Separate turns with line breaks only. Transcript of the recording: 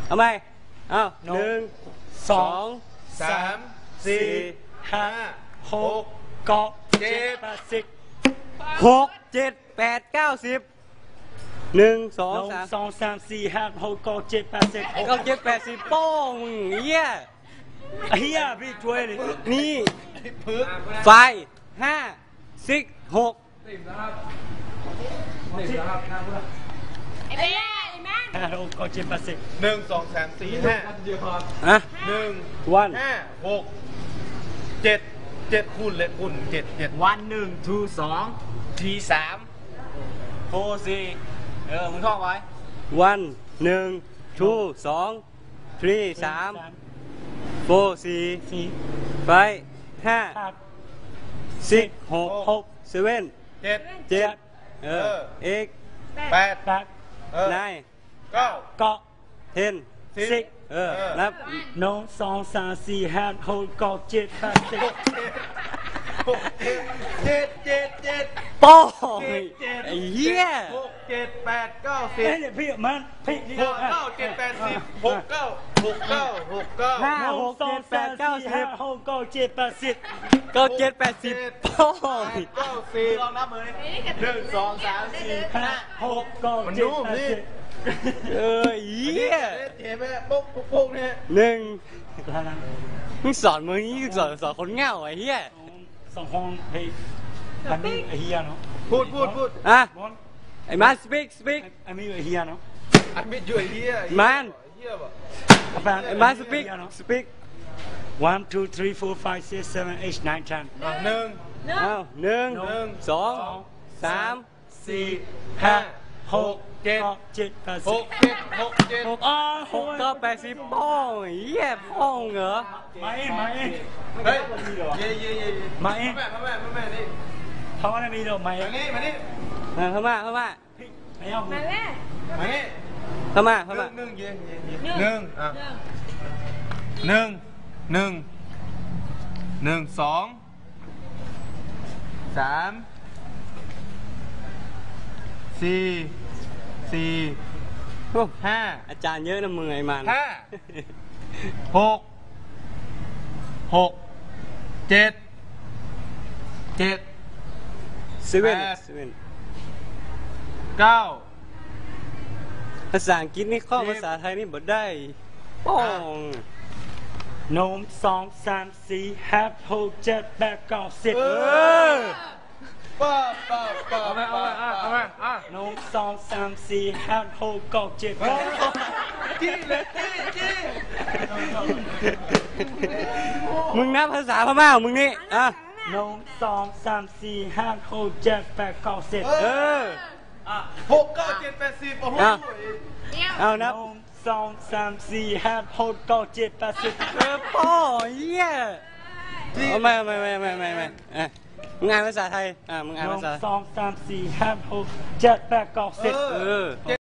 เอาไหมเอาหนึ่งสอง
สามสี่ห้าหก
เกาะ
เจ็ด
หกเจ็ดแปดเก้าสิบหนึ่งสองสาม
4 5 6 9 7 8 10
เก้าเจ็ดแปดสิบโป้งมึงเหี้ย
เฮียพี่ช่วยเลย
นี่
พึ่ง
ไฟห้าสิบหก
ไอ้แม่ไอ้แม่
5 6 9 7 8 10
หนึ่งสองสามสี่ห้า
อะ
หนึ่ง
วัน
ห้าหกเจ็ดเจ็ดคูณเลยคูณเจ็ดเจ็ด
1 1 2 2
ทีสาม
โฟสี่มึงท่องไว้วันหนึ่งทูสองทรีสามโฟสี่
4
ไฟห้า
5
สิบหก
6
เซเว่น
เจ็ด
เจ็ดเอก
แปด
8
นาย
เก้า
เกาะ
เทน
สิบ
นับ
1 2 3 4 5 6 9 7 8 10
หกเจ็ดเจ็ดเจ็ด
โป้ง
เจ็ด
ไอ้เหี้ย
หกเจ็ดแปดเก้าสิบ
เฮ้ยเนี่ยพี่มันพี่นี่
หกเก้าเจ็ดแปดสิบหกเก้าหกเก้าหกเก้า
ห้า
1 2 3 4 5 6 9 7 8 10
เก้าเจ็ดแปดสิบโป้ง
เก้าสิบลองนับมือหนึ่งสองสามสี่ห้า
5 6 9 7 8 10
เหี้ย
เห็นไหมปุ๊บปุ๊บปุ๊บเนี่ย
หนึ่ง
แล้วนะ
มึงสอนมึงนี่สอนคนเง่าไอ้เหี้ย
สองห้องเฮ้ยอันนี้ไอเฮียเนาะ
พูด
อ่ะ
บอล
ไอ้มัน speak
อันนี้ไอเฮียเนาะ
อันไม่ช่วยเฮีย
มัน
เฮียป่ะ
ไอ้มัน speak
1 2 3 4 5 6 7 8 9 10
หนึ่ง
อ้าวหนึ่ง
หนึ่ง
สองสาม
สี่ห้าหกเจ็ด
7 8
หกเจ็ดหกเจ็ด
10อ้า
หกเก้าแปดสิบโป้งไอ้เหี้ยโป้งเหรอ
มาเองมาเอง
เฮ้ยเย่เย่เย่
มาเอง
แม่นี่
เขาอะไรมีดอกไม้
มานี่มานี่
เข้ามา
ไอ้เอา
มาแม่
มานี่
เข้ามา
หนึ่งเย่หนึ่งอ่ะหนึ่งสองสามสี่
โอ้
ห้า
อาจารย์เยอะนะมึงไอ้มัน
ห้าหกเจ็ด
เซเว่น
เก้า
ภาษาอังกฤษนี่ข้อภาษาไทยนี่บ่ได้โป้ง
1 2 3 4 5 6 7 8 9 10
ป้า
เอาไหม1 2 3 4 5 6 9 7 8
จี้เลยจี้
มึงนับภาษาพม่าของมึงนี่อ่ะ
1 2 3 4 5 6 7 8 9 10
หกเก้าเจ็ดแปดสิบโอ้โห
เอานับ
1 2 3 4 5 6 9 7 8 10
โป้เหี้ยเอาไม่มึงอ่านภาษาไทยมึงอ่านภาษา
1 2 3 4 5 6 7 8 9 10